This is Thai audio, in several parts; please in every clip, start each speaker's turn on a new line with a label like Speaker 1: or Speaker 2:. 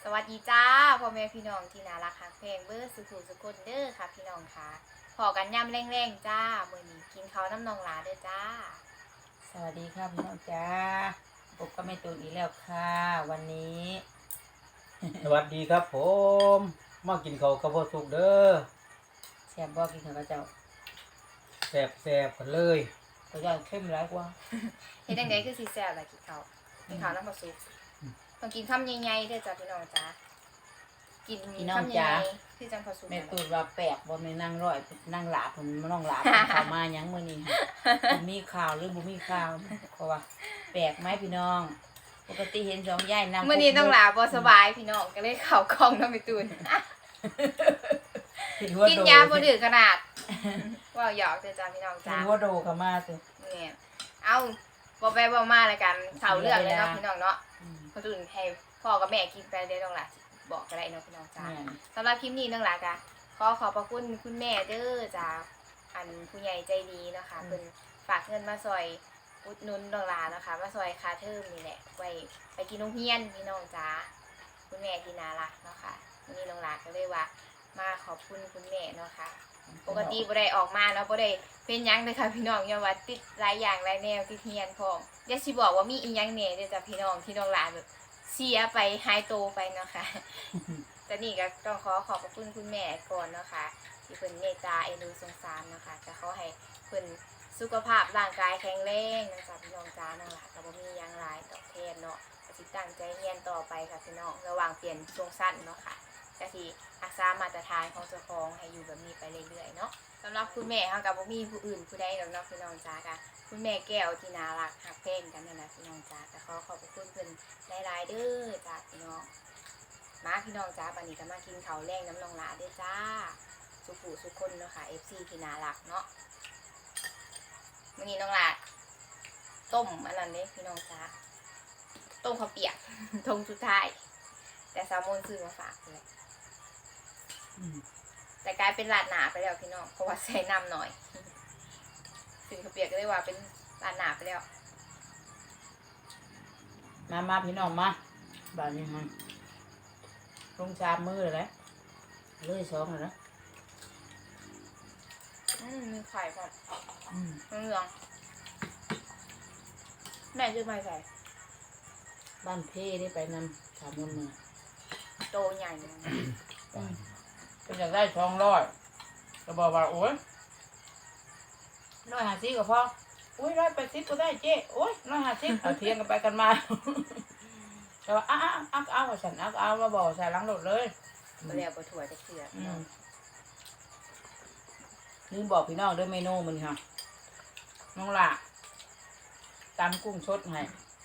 Speaker 1: สวัสดีจ้าพ่อแม่พี่น้องที่น่ารักฮักแพงเบอร์สุขุสุขคนเด้อค่ะพี่น้องค่ะพอกันย่ำแรงๆจ้ามื้อนี้กินข้าวน้ำนองหลาเด้อจ้า
Speaker 2: สวัสดีค่ะพี่น้องจ้าพบกับแม่ตูนอีกแล้วค่ะวันนี้
Speaker 3: สวัสดีครับผมมากินข้าวกับพ่อสุกเด้อ
Speaker 2: แซ่บบอกกินข้าวกับเจ้า
Speaker 3: แซ่บกันเลย
Speaker 2: ตัวย่างเข้มร้ายกว่า
Speaker 1: เฮ็ดจังไดคือสิแซ่บล่ะกินข้าวน้ำปลาซุปต้องกินคำใหญ่ๆเด้อจ้าพี่น้องจ้ากินคำใหญ่ๆคือจังปลาซุป
Speaker 2: แม่ตูนว่าแปลกบ่แม่นั่งร้อยนั่งหลาบผมน้องหลาบเข้ามาหยังมื้อนี้ค่ะมีข่าวหรือบ่มีข่าวเพราะว่าแปลกไหมพี่น้องปกติเห็นสองยายนั่ง
Speaker 1: มื้อนี้ต้องหลาบ่สบายพี่น้องก็เลยเข้ากล้องน้ำไปตูนกินยาบ่ดื้อขนาดว้าวหยอกเด้อจ้าพี่น้อง
Speaker 2: จ้า
Speaker 1: จ้า
Speaker 2: หัวโดเข้ามาสิ
Speaker 1: เนี่ยเอาบ่ไปบ่มาแล้วกันเสาเรื่องเลยเนาะพี่น้องเนาะคนอื่นให้พ่อกับแม่กินไปเด้อน้องหลานบอกก็ได้เนาะพี่น้องจ้าสำหรับคลิปนี้น้องหลานก็ขอพระคุณคุณแม่เด้อจ้าอันผู้ใหญ่ใจดีเนาะค่ะเพิ่นฝากเงินมาซอยอุดหนุนน้องหลานเนาะค่ะมาซอยค่าเทอมนี่แหละไว้ไปกินโรงเรียนพี่น้องจ้าคุณแม่ที่น่ารักเนาะค่ะวันนี้น้องหลานก็เลยว่ามาขอบคุณคุณแม่เนาะค่ะปกติบ่ได้ออกมาเนาะบ่ได้เป็นหยังเลยค่ะพี่น้องอย่าว่าติดหลายอย่างหลายแนวติดเรียนพร้อมอย่าสิบอกว่ามีอีหยังแหน่เด้อจ้ะพี่น้องที่น้องหลานแบบเสียไปหายโตไปเนาะค่ะ แต่นี่ก็ต้องขอบคุณคุณแม่ก่อนเนาะค่ะที่เพิ่นเมตตาเอ็นดูสงสารเนาะค่ะจะขอให้เพิ่นสุขภาพร่างกายแข็งแรงนะจ๊ะพี่น้องจ้านั่นล่ะก็บ่มีหยังหลายตอบแทนเนาะก็สิตั้งใจเรียนต่อไปค่ะพี่น้องระหว่างเปลี่ยนช่วงสั้นเนาะค่ะก็สิรักษามาตรฐานของเจ้าของให้อยู่แบบนี้ไปเรื่อยๆเนาะสำหรับคุณแม่เฮาก็บ่มีผู้อื่นผู้ใดดอกเนาะพี่น้องจ้าค่ะคุณแม่แก้วที่น่ารักฮักแพงกันนั่นแหละพี่น้องจ้าก็ขอบคุณเพิ่นหลายๆเด้อจ้าพี่น้อง มาพี่น้องจ้าวันนี้ก็มากินข้าวแรงน้ำนองหลาด้วยจ้าสุขุสุขคนเนาะค่ะ FC ที่น่ารักเนาะวันนี้น้องหลาต้มอันนั้นเลยพี่น้องจ้าต้มข้าวเปียก ทงสุดท้ายแต่แซลมอนซื้อมาฝากเลยแต่กลายเป็นราดหนาไปแล้วพี่น้องเพราะว่าใส่น้ำหน่อยซื้อข้าวเปียกก็เลยว่าเป็นราดหนาไปแล้ว
Speaker 2: มาพี่น้องมาบ้านนี้ฮะลง3 มื้อเลยเลย2เลยนะ
Speaker 1: มีไข่ก่อนเหลืองแม่ซื้อมาใส่
Speaker 2: บ้านเพ่ได้ไปนำ3 มื้อ
Speaker 1: โตใหญ่เลย
Speaker 2: เป็นอยากได้200ก็บอกว่าโอ๊ย150ก็พอโอ๊ย180ก็ได้เจ๊โอ๊ย150เอาเทียงกันไปกันมาแต่ว่าเอาฉันเอามาบอกใส่หลังรถเลย
Speaker 1: มาแล้วปลาถั่วจะเกลือ
Speaker 2: ลืมบอกพี่น้องด้วยเมนูมันค่ะน้องละตำกุ้งสดให้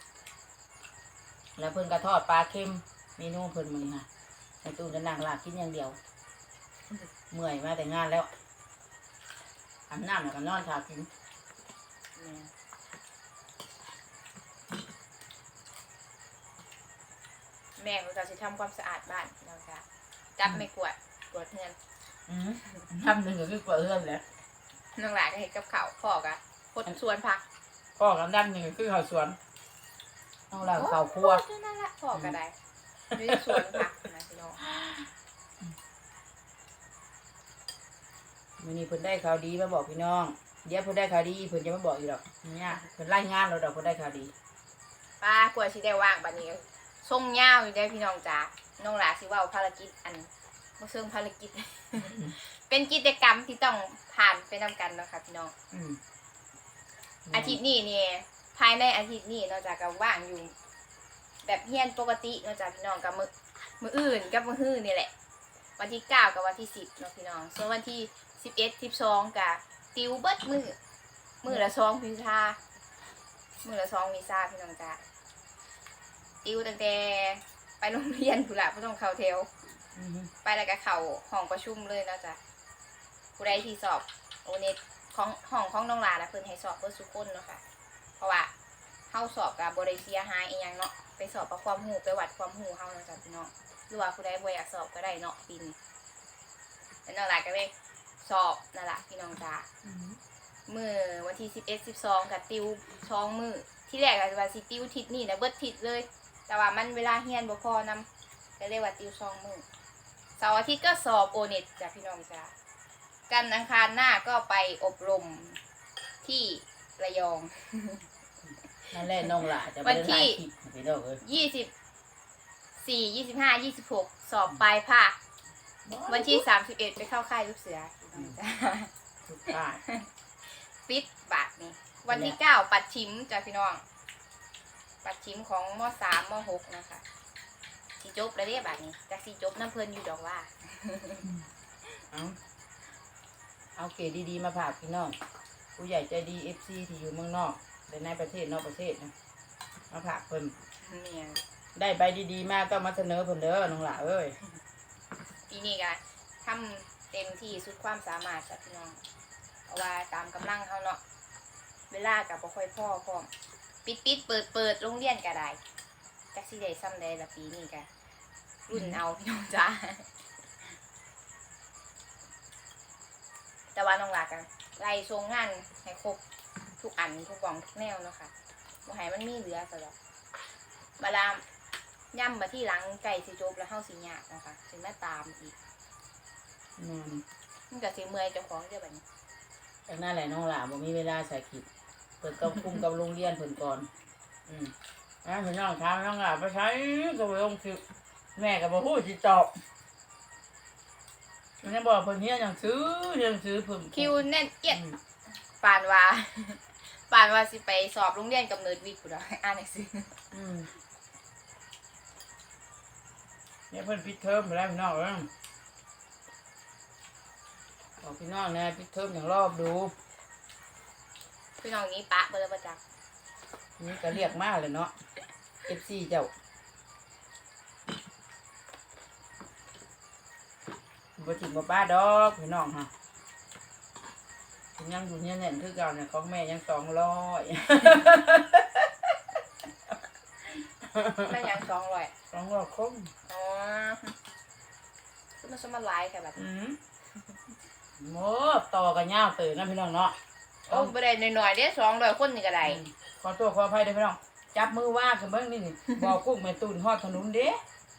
Speaker 2: แล้วเพิ่นกระทอดปลาเค็มเมนูเพิ่นมันค่ะในตู้จะนั่งลากกินอย่างเดียวเมื่อยมาแต่งานแล้วอาบน้ำแล้วก็นอนทากิน
Speaker 1: แม่เขาจะทำความสะอาดบ้านเราจะจับไม่กวาดเงิน
Speaker 2: ทำหนึ่งก็คือกว่าเอื้อนแหล้ว
Speaker 1: น้องหลานก็เห็นกับเขาพ่อกะพดชวนพัก
Speaker 2: พ่อกับด้านหนึ่งก็คือข้าวสวนน้องหลานข้าวคั่ว
Speaker 1: โอ้นั่นแหละพ่อก็ได้ไม่ได้ชวนพักนะพี่น้อง
Speaker 2: วันนี้เพิ่นได้ข่าวดีมาบอกพี่น้องเดี๋ยวเพิ่นได้ข่าวดีเพิ่นจะมาบอกอีกหรอกเนี่ยเพิ่นไล่งานเราดอกเพิ่นได้ข่าวดี
Speaker 1: ป้ากลัวชิได้ว่างบัดนี้ส่งยาวอยู่ได้พี่น้องจ๋าน้องหลานสิว่าภารกิจอันบ่เชิงภารกิจ เป็นกิจกรรมที่ต้องผ่านไปนำกันเนาะค่ะพี่น้อง อาทิตย์นี้เนี่ยภายในอาทิตย์นี้นอกจากก็ว่างอยู่ แบบเฮียนปกตินอกจากพี่น้องกับมืออื่นกับมือฮื้อนี่แหละ วันที่9กับวันที่10เนาะพี่น้องส่วนวันที่11 12กับติวเบิดมือละ2วิชามือละ2วิชาพี่น้องจ้าติวตั้งแต่ไปโรงเรียนผู้ละบ่ต้องเข้าแถวไปแล้วก็เข้าห้องประชุมเลยเนาะจ้ะผู้ใดที่สอบโอเน็ตของห้องของน้องหลานนะเพิ่นให้สอบเบิดทุกคนเนาะค่ะเพราะว่าเฮาสอบกับบ่ได้เสียหายอีหยังเนาะไปสอบเอาความรู้ไปวัดความรู้เฮาเนาะจ้ะพี่น้องหรือว่าผู้ใดบ่อยากสอบก็ได้เนาะปีนี้แล้วน้องหลานก็เลยสอบนั่นล่ะพี่น้องจ้ามื้อวันที่11 12ก็ติว2มื้อที่แรกก็ว่าสิติวทิศนี้นะเบิดทิศเลยแต่ว่ามันเวลาเรียนบ่พอนำก็เรียกว่าติว2 มื้อเสาร์อาทิตย์ก็สอบโอเน็ตจ้ะพี่น้องจ้ะกันอังคารหน้าก็ไปอบรมที่ระยอง
Speaker 2: นั่นแหละน้องหล่าจะ
Speaker 1: วันที่
Speaker 2: ไปดอกเอ้ย
Speaker 1: 24 25 26 สอบปลายภาควันที่31ไปเข้าค่ายลูกเสือพี่น้องจ้ะ
Speaker 2: ทุกภาค
Speaker 1: ปิดบาทนี่วันที่9ปัดชิมจ้ะพี่น้องปัดชิมของม3ม6นะคะสีจบแล้วเด้บาทนี้จากสีจบน้ำเพลินอยู่ดอกว่า
Speaker 2: เอาเกรดดีๆมาฝากพี่น้องผู้ใหญ่ใจดี FC ที่อยู่เมืองนอกและในประเทศนอกประเทศนะมาฝากเพิ่น
Speaker 1: เนี่ย
Speaker 2: ได้ใบดีๆมาก็มาเสนอเพิ่นเด้อน้องหล่าเอ้ย
Speaker 1: ปีนี้ก็ทำเต็มที่สุดความสามารถจ้ะพี่น้องเพราะว่าตามกำลังเขาเนาะเวลากับบ่ค่อยพ่อพร้อมปิดเปิดโรงเรียนก็ได้จักสิได้ซ้ำได้ละปีนี้ก็รุ่นเอาพี่น้องจ้าแต่ว่าน้องหลากันไล่ทรงงานให้ครบทุกอันทุกกล่องทุกแนวเนาะค่ะบ่ให้มันมีเหลือซะดอกเวลาย่ำมาที่หลังไก่สิจบแล้วเฮาสิยากเนาะค่ะสิมาตามอีกมันก็สิเมื่อยเจ้าของเด้อบัดนี้
Speaker 2: จากนั้นแหละน้องหล่าบ่มีเวลาใส่คลิปเพิ่นต้องคุมกับโรงเรียนเพิ่นก่อนเพิ่นน้องถามน้องหล่าไปใช้ก็บ่ลงคลิปแม่ก็บ่ฮู้สิตอบมันยังบอกเพิ่นเฮียนหนังสือเพิ่น
Speaker 1: คิวแน่นเอียดปานว่า ปานว่าสิไปสอบโรงเรียนกำเนิดวิทย์พุ่นน่ะอ่านหนังสือ
Speaker 2: เนี่ยเพิ่นปิดเทอมไปแล้วพี่น้องบอกพี่น้องนะปิดเทอมอย่างรอบดู
Speaker 1: พี่น้องนี้ปะเบอร์ประจักษ์
Speaker 2: นี่ก็เรียกมากเลยเนาะ FC เจ้าบ่ถิ่มบ่ป้าดอกพี่น้องฮะยังอยู่เนี่ยแน่นคือเก่าเนี่ยของแม่ยัง200
Speaker 1: แม่ยัง200
Speaker 2: 200คง
Speaker 1: อ๋อคือมันสมาไลฟ์ค่ะแบบนี้
Speaker 2: โมต่อกันยาวตื่นนะพี่น้องเนาะ
Speaker 1: โอ้บ่ได้น้อยๆเด้200คนนี่ก็ได้
Speaker 2: ขอตัวขออภัยด้วยพี่น้องจับมือว่ากันเบิ่งนี่บอกกุ้งแม่ตูนฮอดถนนเด้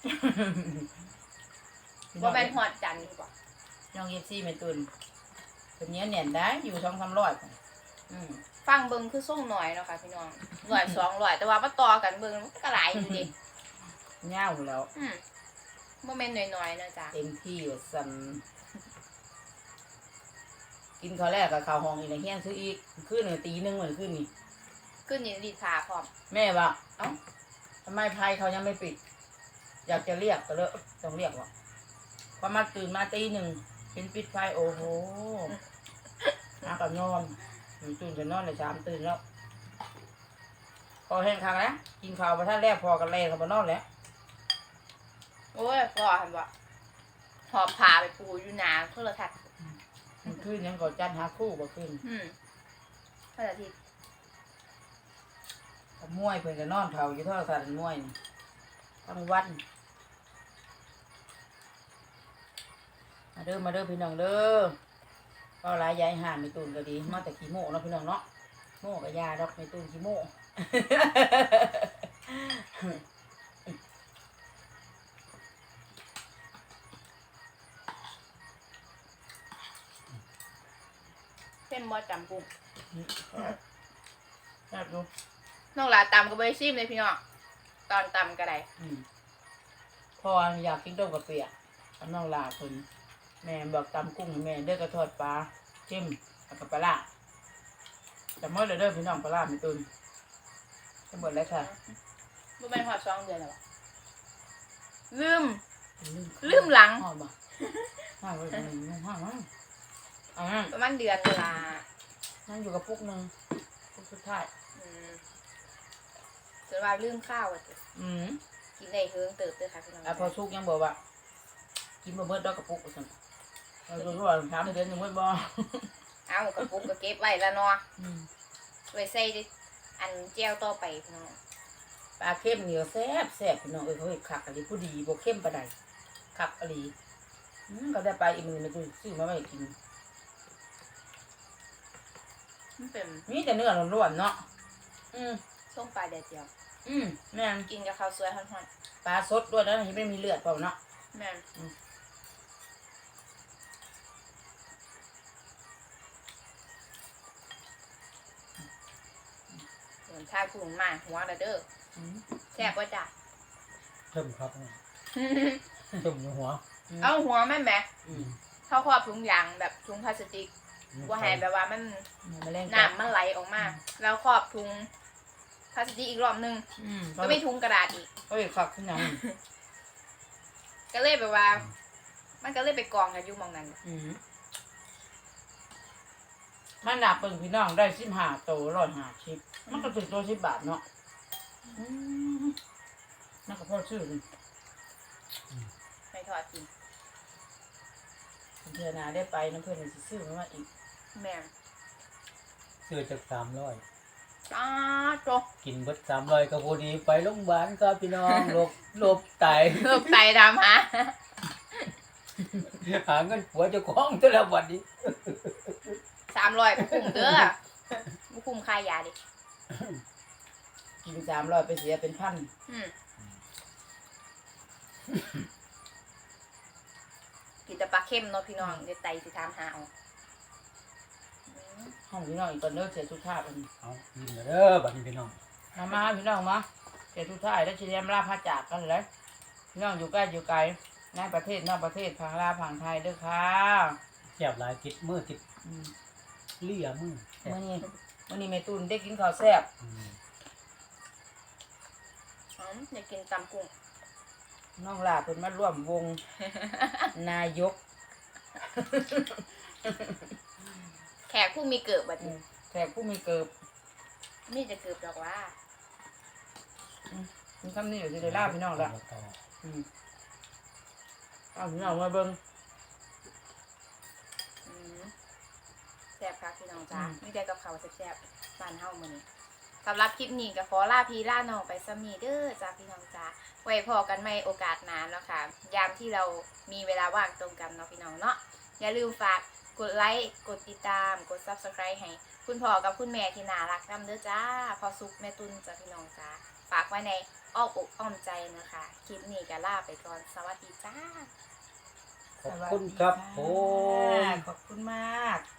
Speaker 1: บ่แม่นฮอดจันทร์บ่
Speaker 2: น้องFC แม่ตูนเป็นเนี้ยแน่นได้อยู่2-300
Speaker 1: ฟังเบิ่งคือส่งน้อยเนาะค่ะพี่น้อง100 200แต่ว่ามาต่อกันเบิ่งมันก็หลายอยู่ดิ
Speaker 2: ยาวแล้ว
Speaker 1: บ่แม่นน้อยๆเนาะจ้ะ
Speaker 2: เต็มที่ว่าสั่นกินข้าวแรกกับข้าวห้องอีกแล้วเฮียนซื้ออีกขึ้น1 ตี 1เหมือนขึ้นนี่
Speaker 1: ขึ้นนี่รีดผ้าพร้อม
Speaker 2: แม่ว่าเอ้าทำไมไพ่เขายังไม่ปิด อยากจะเรียกก็เลยต้องเรียกว่าพอมาตื่นมาตี 1เป็นปิดไฟโอ้โหหากับนอนตื่นจะนอนเลย3 ตื่นแล้วพอแห้งคักแล้วกินข้าวมาท่านแรกพอกันเลยเขามานอนแล้ว
Speaker 1: โอ้ยพ่อหั่นบ่หอบผ้าไปปูอยู่หน้าโทรทัศน์
Speaker 2: มันขึ้นยังก่อจันหาคู่บ่ขึ้น
Speaker 1: วันอาทิตย์
Speaker 2: มวยเพิ่นก็นอนเผาอยู่เท่าสันมวยนี่ทั้งวันมาเด้อพี่น้องเด้อก็หลายยายห่านไม่ตูนก็ดีมาแต่ขี้โม่เนาะพี่น้องเนาะโม่กับยาดอกไม่ตูนขี้โม่
Speaker 1: เส้นบ่จำปุ้ง
Speaker 2: แซ่บดู
Speaker 1: น้องหลาตำก็บ่ได้ชิมเลยพี่น้องตอนตำก็ได้
Speaker 2: พออยากกินต้มกะเปียกกับน้องลาเพิ่นแม่บอกตำกุ้งให้แม่เด้อกระทอดปลาจิ้มกับปลาร้าแต่เมื่อเด้อพี่น้องปลาร้าไม่ตูนจะหมดแล้วค่ะ
Speaker 1: บ่แม่นฮอด2 เดือนแล้วบ่ลืมหลัง
Speaker 2: ห้องบ่ห้องไว้ห้อง
Speaker 1: ประมาณเดือนเวลา
Speaker 2: นั่งอยู่กับพวกนึงพวกสุดท้าย
Speaker 1: จนว่าลืมข้าวอ่ะกินได้เฮิงเติบเด้อค่ะพี่น้อง
Speaker 2: พอสุกยังบอกว่ากินบ่เบิดดอกกระปุกซั่นเรารู้ว่า3 เดือนยังเบิดบ่
Speaker 1: เอากระปุกก็เก็บไว้แล้วเนาะไว้ใส่อันแจ่วต่อไปพี่น้อง
Speaker 2: ปลาเค็มเหนียวแซ่บพี่น้องเขาเฮ็ดคักอันนี้ผู้ดีบ่เค็มปานใดคักอหลีก็ได้ไปอีกมื้อนึงซื้อมาไว้กิน
Speaker 1: มันเป็น
Speaker 2: มีแต่เนื้อล้วนๆเนาะ
Speaker 1: ส้มปลาแดดเดียว
Speaker 2: กแม่น
Speaker 1: กินกับข้าวสวยฮ้อน
Speaker 2: ปลาสดด้วยนะยังไม่มีเลือดเปล่าเนาะ
Speaker 1: ๆแม่นเหมือนทายผู้มาหัวละเด้อ
Speaker 2: อืม
Speaker 1: แซ่บบ่จ้ะ
Speaker 3: เริ่มครับเริ่มอยู่หัว
Speaker 1: เอาหัวแม่นแหม
Speaker 2: อืม
Speaker 1: เขาครอบถุงยางแบบถุงพลาสติกบ่ให้แบบว่ามัน
Speaker 2: มาเล่น
Speaker 1: น้ำมันไหลออกมา แล้วครอบถุงพลาสติกอีกรอบนึง
Speaker 2: ก็
Speaker 1: ก็
Speaker 2: ไม่
Speaker 1: มีถุงกระดาษอีก
Speaker 2: ก็อีกขับขึ้นยัง
Speaker 1: ก็เลยแบบว่า มันก็เลยไปกองกันอยู่หมองนั้น
Speaker 2: มันหนักเปิ่งพี่น้องได้15 โต150มันก็ถึงตัว10 บาทเนาะนั่นก็พอชื่อเลย
Speaker 1: ไปทอดกิน
Speaker 2: เพื่อนนาได้ไปน้ำเพื่อนสิซื้อมาอีก
Speaker 1: แม่น
Speaker 3: ซื้อจาก300
Speaker 1: จ้าโต
Speaker 3: กินเบิด300ก็พอดีไปโรงพยาบาลครับพี่น้องโรคไต
Speaker 1: เลิกไตดำฮะ
Speaker 3: หาเงินผัวเจ้าของแต่ละวันนี้
Speaker 1: 300คุ้มเด้อบ่คุ้มค่ายาดิ
Speaker 2: กิน300ไปเสียเป็นพัน
Speaker 1: อืมกินแต่ปลาเค็มเนาะพี่น้องเดี๋ยวไตสิถามหาเอา
Speaker 2: ห้องพี่น้องอีกก่อนเลิกเสียทุกท่าบัดนี้
Speaker 3: เอากินเด้อบัดนี้พี่น้อง
Speaker 2: มาพี่น้องมาเสียทุกท่าแล้วเชียมลาพาจากกันเลยพี่น้องอยู่ใกล้อยู่ไกลในประเทศนอกประเทศพังลาพังไทยเด้อค่ะ
Speaker 3: แซ่บหลายติดมือติด
Speaker 2: อืม
Speaker 3: เลี่ยมือแซ่บ
Speaker 2: มื้อนี้แม่ตุนได้กินข้าวแซ่บ
Speaker 1: อยากกินตำกุ้ง
Speaker 2: น้องลาเพิ่นมาร่วมวง นายก
Speaker 1: แขกผู้มีเกิดบัดนี้
Speaker 2: แขกผู้มีเกิบ
Speaker 1: นี่จะเกิดดอกว่า
Speaker 2: มีคำนี้อยู่ที่ได้ลาพี่น้องละเอาพี่น้องมาเบิ่ง
Speaker 1: แซ่บค่ะพี่น้องจ้าไม่ได้กับเขาวแซ่บๆบ้านเฮามื้อนี้สำหรับคลิปนี้ก็ขอลาพี่ลาน้องไปซะมีเด้อจ้าพี่น้องจ้าไว้พอกันใหม่โอกาสหน้าเนาะค่ะยามที่เรามีเวลาว่างตรงกันเนาะพี่น้องเนาะอย่าลืมฝากกดไลค์กดติดตามกด Subscribe ให้คุณพ่อกับคุณแม่ที่น่ารักนำเด้อจ้าพอสุกแม่ตุนจ้าพี่น้องจ้าฝากไว้ในอ้อมอกอ้อมใจนะคะคลิปนี้ก็ลาไปก่อนสวัสดีจ้า
Speaker 3: ขอบคุณครับผม
Speaker 2: ขอบคุณมาก